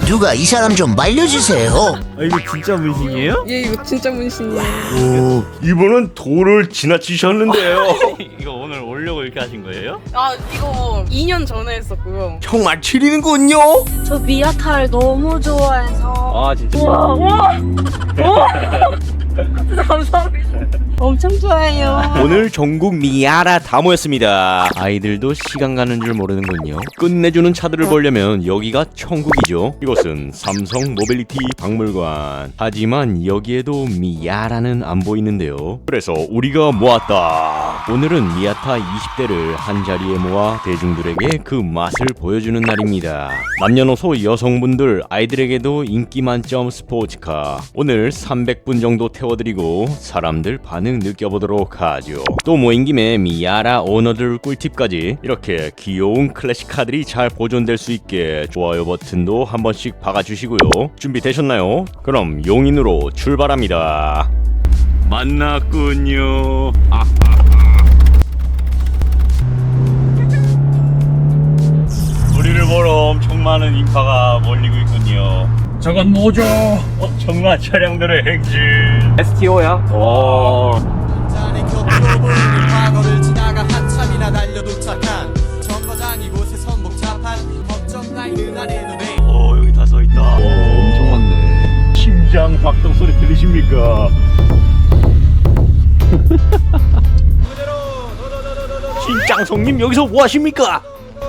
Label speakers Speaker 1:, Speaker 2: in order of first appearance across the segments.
Speaker 1: 누가 이 사람 좀 말려주세요.
Speaker 2: 아 이거 진짜 문신이에요?
Speaker 3: 예, 이거 진짜 문신이에요.
Speaker 2: 오, 이분은 도를 지나치셨는데요. 이거 오늘 오려고 이렇게 하신 거예요?
Speaker 3: 아, 이거 2년 전에 했었고요.
Speaker 2: 정말 치리는군요.
Speaker 4: 저 미아타를 너무 좋아해서.
Speaker 2: 아 진짜.
Speaker 4: 와 감사합니다. 엄청 좋아해요.
Speaker 2: 오늘 전국 미아라 다 모였습니다. 아이들도 시간 가는 줄 모르는군요. 끝내주는 차들을 보려면 여기가 천국이죠. 이곳은 삼성 모빌리티 박물관. 하지만 여기에도 미아라는 안 보이는데요. 그래서 우리가 모았다. 오늘은 미아타 20대를 한자리에 모아 대중들에게 그 맛을 보여주는 날입니다. 남녀노소 여성분들 아이들에게도 인기 만점 스포츠카. 오늘 300분 정도 태워드리고 사람들 반응 느껴보도록 하죠. 또 모인 김에 미아라 오너들 꿀팁까지. 이렇게 귀여운 클래식카들이 잘 보존될 수 있게 좋아요 버튼도 한 번씩 박아주시고요. 준비되셨나요? 그럼 용인으로 출발합니다. 만났군요. 우리를 보러 엄청 많은 인파가 몰리고 있군요.
Speaker 5: 저건 뭐죠?
Speaker 2: 정말 차량들의 행진.
Speaker 5: STO야?
Speaker 2: 오.
Speaker 6: 잔의 격도부는 과거를 지나가 한참이나 달려 도착한 정거장 이곳에 선복잡한 법정 라인을 아래 눈에
Speaker 2: 오, 여기 다 서 있다.
Speaker 5: 엄청 많네.
Speaker 2: 심장 박동 소리 들리십니까? 신장성님 여기서 뭐 하십니까?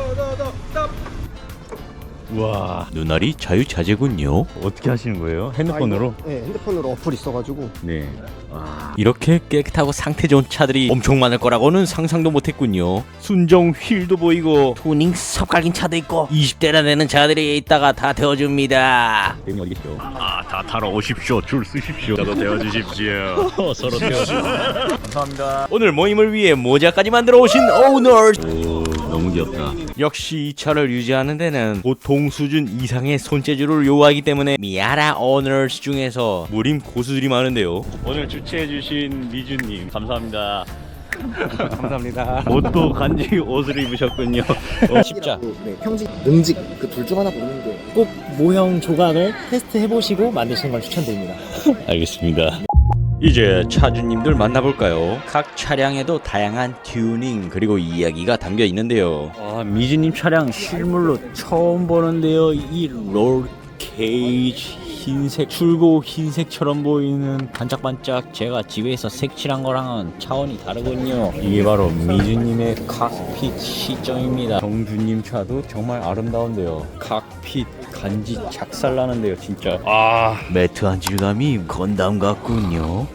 Speaker 2: 와, 눈알이 자유자재군요. 어떻게 하시는 거예요? 핸드폰으로?
Speaker 7: 네, 핸드폰으로 어플 있어가지고.
Speaker 2: 네. 이렇게 깨끗하고 상태 좋은 차들이 엄청 많을 거라고는 상상도 못했군요. 순정 휠도 보이고 투닝 섭갈긴 차도 있고 20대나 되는 차들이 있다가 다 태워줍니다. 대님 어디 계시죠? 다 타러 오십시오. 줄 쓰십시오. 저도 태워주십시오. 서로 태워주십시오. 감사합니다. 오늘 모임을 위해 모자까지 만들어 오신 오너. 오, 너무 귀엽다. 역시 이 차를 유지하는 데는 보통 수준 이상의 손재주를 요구하기 때문에 미아라 오너스 중에서 무림 고수들이 많은데요. 오늘 주최해주신 미주님 감사합니다.
Speaker 5: 감사합니다.
Speaker 2: 옷도 간지 옷을 입으셨군요. 십자.
Speaker 7: 네, 평직, 능직 그 둘 중 하나 고르는데
Speaker 8: 꼭 모형 조각을 테스트 해보시고 만드시는 걸 추천드립니다.
Speaker 2: 알겠습니다. 이제 차주님들 만나볼까요? 각 차량에도 다양한 튜닝 그리고 이야기가 담겨 있는데요. 미주님 차량 실물로 처음 보는데요. 이 롤 케이지 흰색 출고 흰색처럼 보이는 반짝반짝 제가 집에서 색칠한 거랑은 차원이 다르군요. 이게 바로 미주님의 칵핏 시점입니다. 정주님 차도 정말 아름다운데요. 칵핏 간지 작살나는데요 진짜. 매트한 질감이 건담 같군요.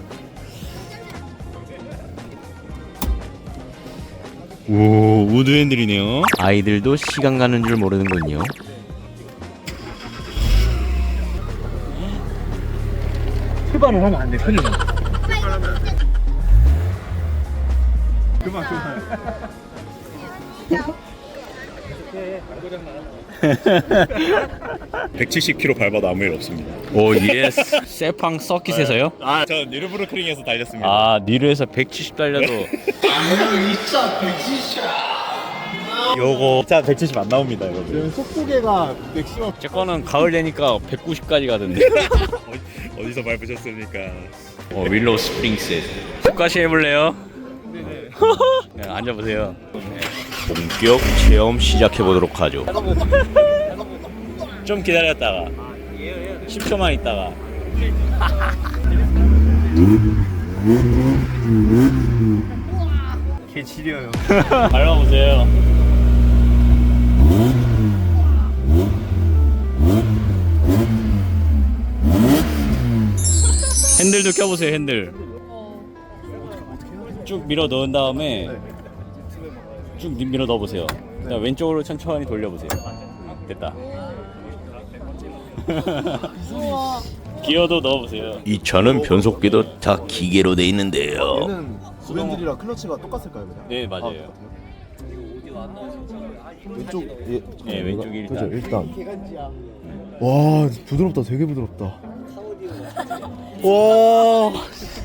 Speaker 2: 오, 우드 핸들이네요. 아이들도 시간 가는 줄 모르는군요.
Speaker 5: 출발을 하면 안 돼, 편의점. 그만.
Speaker 9: 170km 밟아도 아무 일 없습니다.
Speaker 2: 오 예스. 세팡 서킷에서요?
Speaker 9: 전 뉴르부르크링에서 달렸습니다.
Speaker 2: 니르에서 170 달려도 요거
Speaker 9: 자, 170 안 나옵니다, 여러분.
Speaker 7: 속도계가 맥시멈.
Speaker 2: 제 거는 가을 되니까 190까지 가던데.
Speaker 9: 어디서 밟으셨습니까?
Speaker 2: 윌로우 스프링스. 속가시 해볼래요? 네, 앉아보세요. 본격 체험 시작해보도록 하죠. 좀 기다렸다가 10초만 있다가
Speaker 5: 개 지려요.
Speaker 2: 밟아보세요. 핸들도 껴보세요. 핸들 쭉 밀어 넣은 다음에 쭉 밀어 넣어보세요. 그다음 왼쪽으로 천천히 돌려보세요. 됐다. 기어도 넣어보세요. 이 차는 변속기도 다 기계로 돼 있는데요.
Speaker 7: 얘는 구벤들이랑 클러치가 똑같을까요, 그냥?
Speaker 2: 네 맞아요.
Speaker 7: 왼쪽
Speaker 2: 네, 왼쪽이 일단.
Speaker 7: 그죠, 일단. 와, 부드럽다, 되게 부드럽다. 와.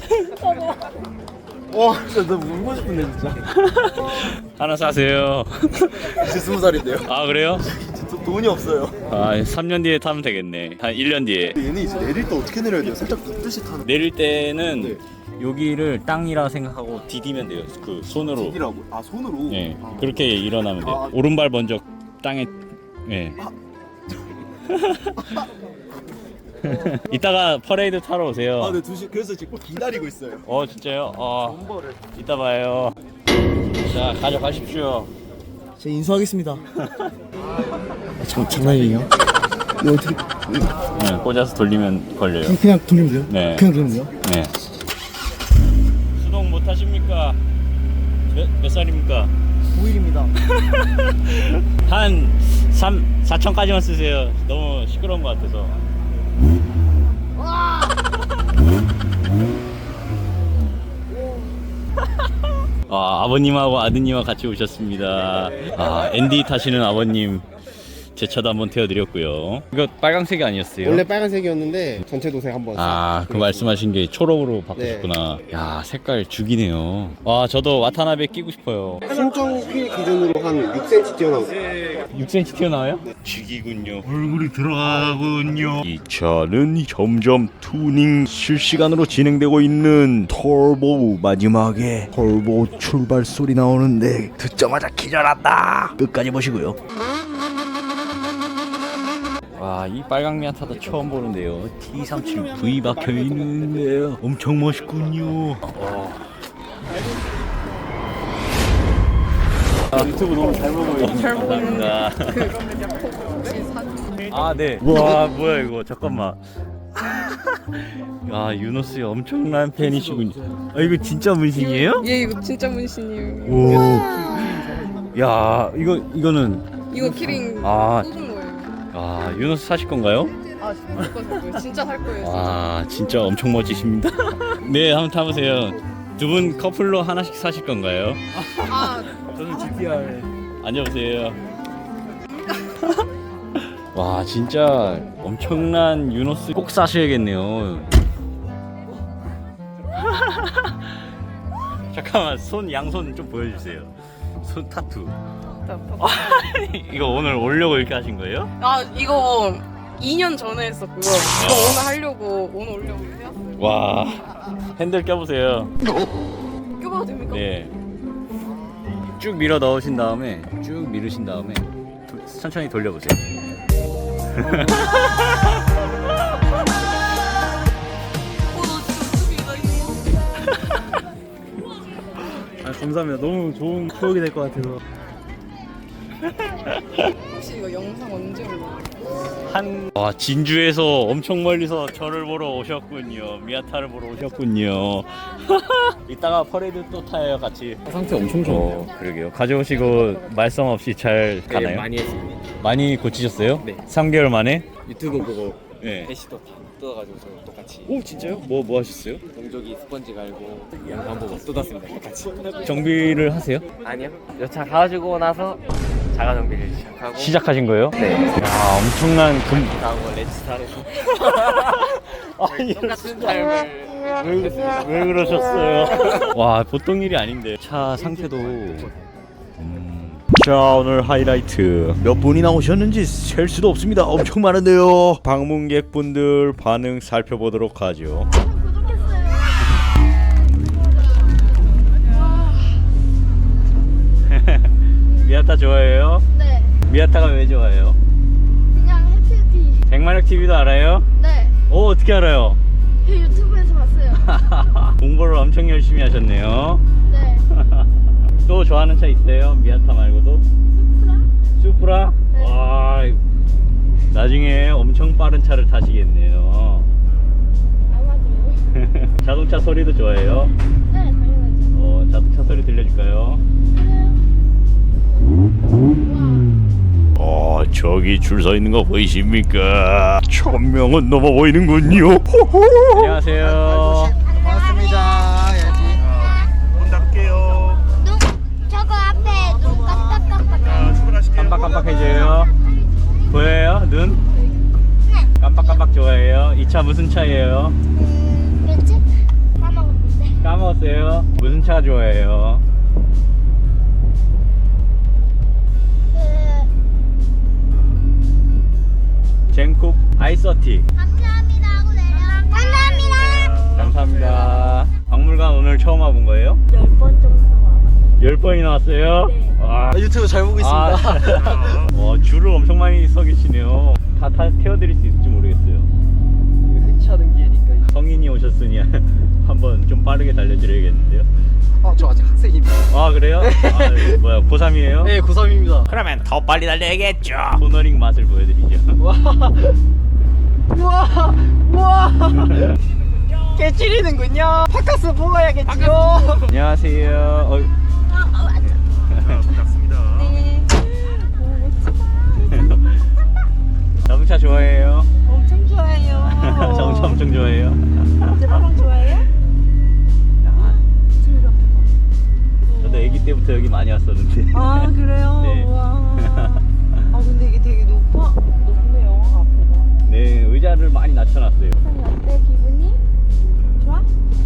Speaker 7: 와, 진짜 나 울고 싶은데 진짜.
Speaker 2: 하나 사세요.
Speaker 7: 이제 20살인데요.
Speaker 2: 아 그래요?
Speaker 7: 돈이 없어요.
Speaker 9: 아 3년 뒤에 타면 되겠네. 한 1년 뒤에.
Speaker 7: 얘는 이제 내릴 때 어떻게 내려야 돼요? 살짝 눕듯이 타는
Speaker 9: 내릴 때는 여기를 땅이라 생각하고 디디면 돼요. 그 손으로.
Speaker 7: 이라고. 아 손으로.
Speaker 9: 예. 그렇게 일어나면 돼요. 오른발 먼저 땅에. 예. 이따가 퍼레이드 타러 오세요.
Speaker 7: 아, 네 2시 그래서 지금 기다리고 있어요.
Speaker 9: 진짜요? 이따 봐요. 자, 가져가십시오.
Speaker 8: 제가 인수하겠습니다. 장난이에요? 이거 어떻게
Speaker 9: 네, 꽂아서 돌리면 걸려요.
Speaker 8: 그냥 돌리면 돼요?
Speaker 9: 네.
Speaker 8: 그냥 돌리면 돼요?
Speaker 9: 네. 수동 못 하십니까? 몇 살입니까?
Speaker 8: 5일입니다.
Speaker 9: 한 4천까지만 쓰세요. 너무 시끄러운 것 같아서. 아버님하고 아드님과 같이 오셨습니다. 앤디 타시는 아버님 제 차도 한번 태워드렸고요. 이거 빨강색이 아니었어요?
Speaker 10: 원래 빨간색이었는데 전체 도색 한번.
Speaker 9: 그 말씀하신 게 초록으로 바꾸셨구나. 야, 색깔 죽이네요. 저도 와타나베 끼고 싶어요.
Speaker 10: 신청 휠 기준으로 한 6cm 튀어나오고.
Speaker 9: 6cm 튀어나와요? 죽이군요. 얼굴이 들어가군요. 이 차는 점점 투닝 실시간으로 진행되고 있는 터보. 마지막에 터보 출발 소리 나오는데 듣자마자 기절한다. 끝까지 보시고요. 이 빨강 미아타도 처음 보는데요. T37V 박혀 있는데요. 엄청 멋있군요. 유튜브 너무 잘 보고
Speaker 3: 잘 보는
Speaker 9: 감사합니다. 네.
Speaker 3: 그
Speaker 9: 와, 뭐야 이거. 잠깐만. 유노스의 엄청난 팬이시군요. 이거 진짜 문신이에요?
Speaker 3: 예, 이거 진짜 문신이에요.
Speaker 9: 오. 야, 이거는
Speaker 3: 이거 키링
Speaker 9: 아.
Speaker 3: 꽂은 거예요.
Speaker 9: 유노스 사실 건가요?
Speaker 3: 살 거예요. 진짜 살 거예요.
Speaker 9: 진짜 엄청 멋지십니다. 네, 한번 타보세요. 두 분 커플로 하나씩 사실 건가요?
Speaker 8: 저는 GTR.
Speaker 9: 앉아보세요. 와, 진짜 엄청난 유노스 꼭 사셔야겠네요. 잠깐만, 양손 좀 보여주세요. 손 타투. 이거 오늘 오려고 이렇게 하신 거예요?
Speaker 3: 이거 2년 전에 했었고요. 이거 오늘 하려고 오늘 오려고 해왔어요.
Speaker 9: 와, 핸들 껴보세요.
Speaker 3: 껴봐도 됩니까?
Speaker 9: 네. 쭉 밀어 넣으신 다음에 쭉 미르신 다음에 천천히 돌려보세요.
Speaker 8: 감사합니다. 너무 좋은 추억이 될 것 같아서.
Speaker 3: 혹시 이거 영상 언제 올라요?
Speaker 9: 진주에서 엄청 멀리서 저를 보러 오셨군요. 미아타를 보러 오셨군요. 이따가 퍼레이드 또 타요, 같이.
Speaker 5: 상태 엄청 좋네요.
Speaker 9: 그러게요. 가져오시고 말썽 없이 잘 가나요?
Speaker 5: 네, 많이 했습니다.
Speaker 9: 많이 고치셨어요?
Speaker 5: 네.
Speaker 9: 3개월 만에?
Speaker 5: 유튜브 보고
Speaker 9: 네.
Speaker 5: 대시도 다 뜯어가지고 저 똑같이.
Speaker 9: 오, 진짜요? 뭐 하셨어요?
Speaker 5: 동족이 스펀지 갈고 양반 보고 뜯었습니다. 똑같이.
Speaker 9: 정비를 하세요?
Speaker 5: 아니요. 여차 가지고 나서 자가 정비를 시작하고.
Speaker 9: 시작하신 거예요?
Speaker 5: 네.
Speaker 9: 야, 엄청난
Speaker 5: 다음은 렌치사에서 똑같은 삶을
Speaker 9: 왜 그러셨어요? 와, 보통 일이 아닌데. 차 상태도. 자, 오늘 하이라이트 몇 분이나 오셨는지 셀 수도 없습니다. 엄청 많은데요. 방문객분들 반응 살펴보도록 하죠. 미아타 좋아해요?
Speaker 4: 네.
Speaker 9: 미아타가 왜 좋아해요?
Speaker 4: 그냥 해피해피.
Speaker 9: 100마력 TV도 알아요?
Speaker 4: 네.
Speaker 9: 어떻게 알아요?
Speaker 4: 유튜브에서 봤어요.
Speaker 9: 공부를 엄청 열심히 하셨네요.
Speaker 4: 네.
Speaker 9: 또 좋아하는 차 있어요? 미아타 말고도? 수프라?
Speaker 4: 네.
Speaker 9: 와, 나중에 엄청 빠른 차를 타시겠네요.
Speaker 4: 아마도.
Speaker 9: 자동차 소리도 좋아해요?
Speaker 4: 네, 당연하죠.
Speaker 9: 자동차 소리 들려줄까요? 저기 줄 서 있는 거 보이십니까? 1000명은 넘어 보이는군요. 안녕하세요.
Speaker 10: 고맙습니다.
Speaker 9: 문 닫을게요.
Speaker 4: 저거 앞에 눈 깜빡깜빡.
Speaker 9: 깜빡깜빡해져요. 보여요? 눈? 깜빡깜빡 좋아해요. 이 차 무슨 차예요?
Speaker 4: 뭐지? 까먹었는데.
Speaker 9: 까먹었어요. 무슨 차 좋아해요?
Speaker 2: 젠쿡 아이서티.
Speaker 4: 감사합니다 하고 내려. 감사합니다.
Speaker 2: 감사합니다. 박물관 오늘 처음 와본 거예요?
Speaker 4: 10번 정도 와봤어요.
Speaker 2: 10번이나 왔어요?
Speaker 4: 네.
Speaker 2: 와,
Speaker 6: 유튜브 잘 보고 있습니다.
Speaker 2: 줄을 엄청 많이 서 계시네요. 다 태워드릴 수 있을지 모르겠어요.
Speaker 6: 흔치 않은 기회니까.
Speaker 2: 성인이 오셨으니 한번 좀 빠르게 달려드려야겠는데요.
Speaker 6: 저 아직 학생입니다.
Speaker 2: 아 그래요? 아, 뭐야 고3이에요?
Speaker 6: 네, 고3입니다.
Speaker 2: 그러면 더 빨리 달려야겠죠. 코너링 맛을 보여드리죠.
Speaker 6: 우와. 깨치리는군요. 파카스 보아야겠지요.
Speaker 2: 안녕하세요.
Speaker 3: 반갑습니다. 네.
Speaker 2: 자동차 좋아해요?
Speaker 3: 엄청 좋아해요.
Speaker 2: 자동차 엄청 좋아해요?
Speaker 3: 제 빠방 좋아해요?
Speaker 2: 저도 아기 때부터 여기 많이 왔었는데.
Speaker 3: 아 그래요?
Speaker 2: 네.
Speaker 3: 와. 아 근데 이게 되게 높네요 앞에가.
Speaker 2: 네, 의자를 많이 낮춰놨어요.
Speaker 3: 어때 기분이? 좋아?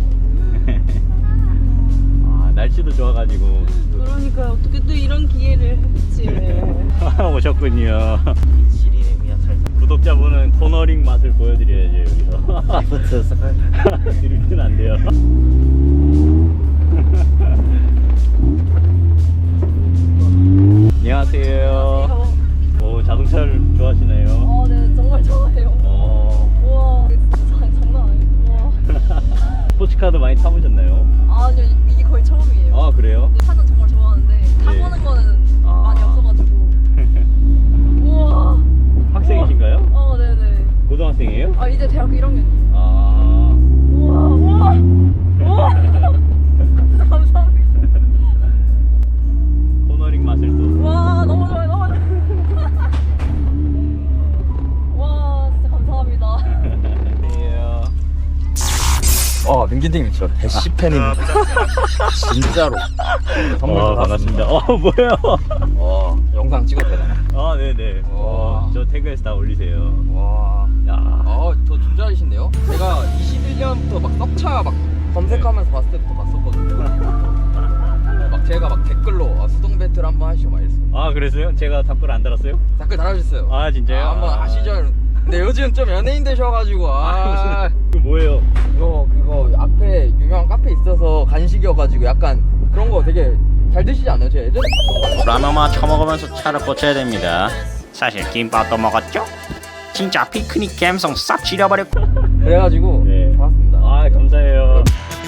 Speaker 2: 아, 날씨도 좋아가지고.
Speaker 3: 그러니까 어떻게 또 이런 기회를 했지.
Speaker 2: 오셨군요.
Speaker 5: 지리네미야 잘.
Speaker 2: 구독자분은 코너링 맛을 보여드려야죠 여기서.
Speaker 5: 리프트 색깔.
Speaker 2: 드리프트는 안 돼요. 안녕하세요. 오, 자동차를 좋아하시나요?
Speaker 3: 네 정말 좋아해요. 우와 진짜 장난 아니에요. 우와.
Speaker 2: 스포츠카도 많이 타보셨나요?
Speaker 3: 아니요 이게 거의 처음이에요.
Speaker 2: 아 그래요?
Speaker 3: 차는 정말 좋아하는데 타보는 거는
Speaker 2: 아.
Speaker 3: 많이 없어가지고. 우와.
Speaker 2: 학생이신가요?
Speaker 3: 네네.
Speaker 2: 고등학생이에요?
Speaker 3: 아 이제 대학교 1학년이에요.
Speaker 2: 아.
Speaker 3: 우와 우와 우와. 진짜 감사합니다.
Speaker 2: 코너링 맛을 또.
Speaker 3: 와 너무 좋아요 너무 좋아요. 와 진짜 감사합니다.
Speaker 2: 안녕하세요.
Speaker 6: 민기님 저 대시 팬입니다. 진짜로. 선물도
Speaker 2: 반갑습니다. 뭐예요?
Speaker 6: 영상 찍어도 되나요?
Speaker 2: 아 네네.
Speaker 6: 와.
Speaker 2: 저 태그에서 다 올리세요.
Speaker 6: 와.
Speaker 2: 야.
Speaker 6: 저 준잘이신데요? 제가 21년부터 막 떡차 막 검색하면서 봤을 때부터 봤었거든요. 막 제가 막 댓글로 수동 배틀 한번 하시죠 막 이랬어요.
Speaker 2: 아 그랬어요? 제가 답글 안 달았어요?
Speaker 6: 댓글 달아주셨어요.
Speaker 2: 아 진짜요?
Speaker 6: 한번 하시죠. 근데 요즘 좀 연예인 되셔가지고
Speaker 2: 그 뭐예요?
Speaker 6: 그거 앞에 유명한 카페 있어서 간식이어가지고 약간 그런 거 되게 잘 드시지 않아요? 제가 예전에
Speaker 9: 라면만 처먹으면서 차를 고쳐야 됩니다. 사실 김밥도 먹었죠? 진짜 피크닉 감성 싹 지려버렸고.
Speaker 6: 그래가지고
Speaker 2: 네.
Speaker 6: 좋았습니다.
Speaker 2: 아 감사해요.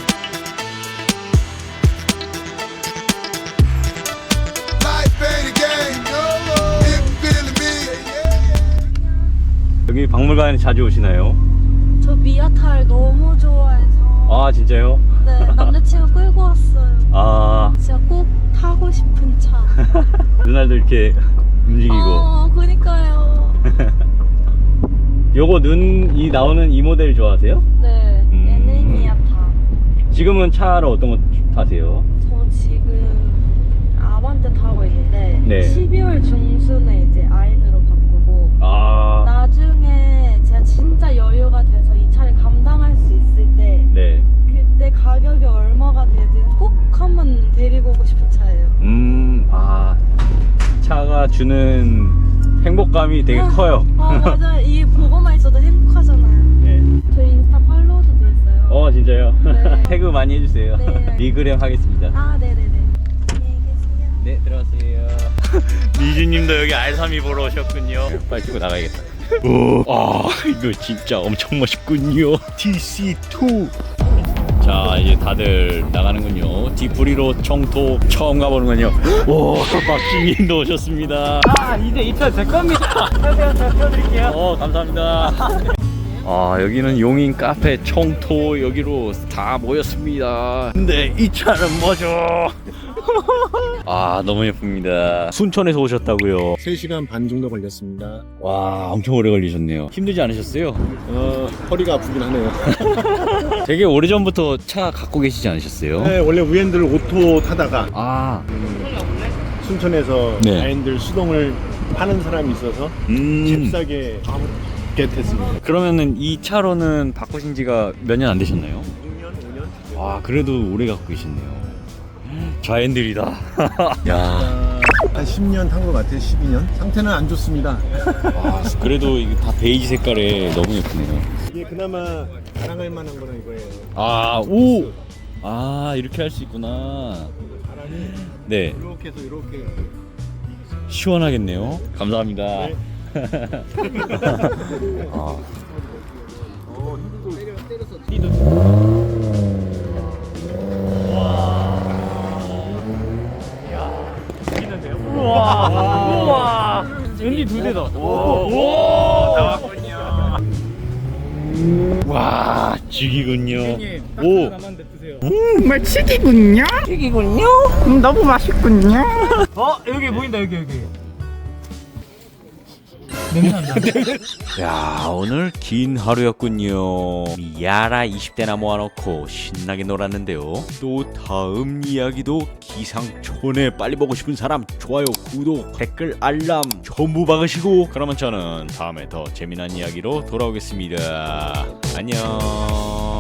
Speaker 2: 여기 박물관에 자주 오시나요?
Speaker 4: 저 미아타를 너무 좋아해서
Speaker 2: 아 진짜요?
Speaker 4: 네 남자친구 끌고 왔어요.
Speaker 2: 아
Speaker 4: 진짜 꼭 타고 싶은 차.
Speaker 2: 눈알도 이렇게 움직이고.
Speaker 4: 그니까요.
Speaker 2: 요거 눈이 나오는 이 모델 좋아하세요?
Speaker 4: 네 얘는 미아타.
Speaker 2: 지금은 차를 어떤 거 타세요?
Speaker 4: 저 지금 아반떼 타고 있는데
Speaker 2: 네.
Speaker 4: 12월 중순에 이제 아인으로 바꾸고
Speaker 2: 아
Speaker 4: 나중에 제가 진짜 여유가 돼서 이 차를 감당할 수 있을 때
Speaker 2: 네.
Speaker 4: 그때 가격이 얼마가 되든 꼭 한번 데리고 오고 싶은 차예요.
Speaker 2: 아 차가 주는 행복감이 되게 커요.
Speaker 4: 맞아요. 이 보고만 있어도 행복하잖아요.
Speaker 2: 네.
Speaker 4: 저희 인스타 팔로우도 돼 있어요.
Speaker 2: 진짜요?
Speaker 4: 네.
Speaker 2: 태그 많이 해주세요.
Speaker 4: 네.
Speaker 2: 리그램 하겠습니다.
Speaker 4: 네네네. 안녕히 계세요.
Speaker 2: 네 들어가세요. 미주님도 여기 알삼이 보러 오셨군요. 빨리 찍고 나가야겠다. 이거 진짜 엄청 멋있군요. TC2. 자 이제 다들 나가는군요. 디프리로 청토 처음 가보는군요. 오 박진님도 오셨습니다. 이제 입찰 제 겁니다. 안녕하세요. 제가 태워드릴게요. 감사합니다. 여기는 용인 카페 청토 여기로 다 모였습니다. 근데 이 차는 뭐죠? 너무 예쁩니다. 순천에서 오셨다고요?
Speaker 7: 3시간 반 정도 걸렸습니다.
Speaker 2: 와 엄청 오래 걸리셨네요. 힘들지 않으셨어요?
Speaker 7: 허리가 아프긴 하네요.
Speaker 2: 되게 오래전부터 차 갖고 계시지 않으셨어요?
Speaker 7: 네, 원래 우엔들 오토 타다가 순천에서
Speaker 2: 네.
Speaker 7: 아인들 수동을 파는 사람이 있어서 잽싸게 겟했습니다.
Speaker 2: 그러면은 이 차로는 바꾸신 지가 몇 년 안 되셨나요?
Speaker 7: 6년, 5년?
Speaker 2: 그래도 오래 갖고 계셨네요. 좌핸들이다. 야.
Speaker 7: 한 10년 탄 것 같아요. 12년. 상태는 안 좋습니다.
Speaker 9: 아, 그래도 이게 다 베이지 색깔에 너무 예쁘네요.
Speaker 7: 이게 그나마 자랑할 만한 거는 이거예요.
Speaker 9: 아, 오! 아, 이렇게 할 수 있구나.
Speaker 7: 바람이
Speaker 9: 네,
Speaker 7: 이렇게 해서 이렇게.
Speaker 9: 시원하겠네요. 감사합니다.
Speaker 7: 네.
Speaker 9: 아.
Speaker 5: 우와 웬디 두 대다. 오 나왔군요.
Speaker 9: 와, 죽이군요. 오,
Speaker 5: 정말 치기군요. 너무 맛있군요. 여기 보인다 여기.
Speaker 2: 야, 오늘 긴 하루였군요. 미아라 20대나 모아놓고 신나게 놀았는데요. 또 다음 이야기도 기상촌에 빨리 보고 싶은 사람 좋아요, 구독, 댓글, 알람 전부 박으시고, 그러면 저는 다음에 더 재미난 이야기로 돌아오겠습니다. 안녕.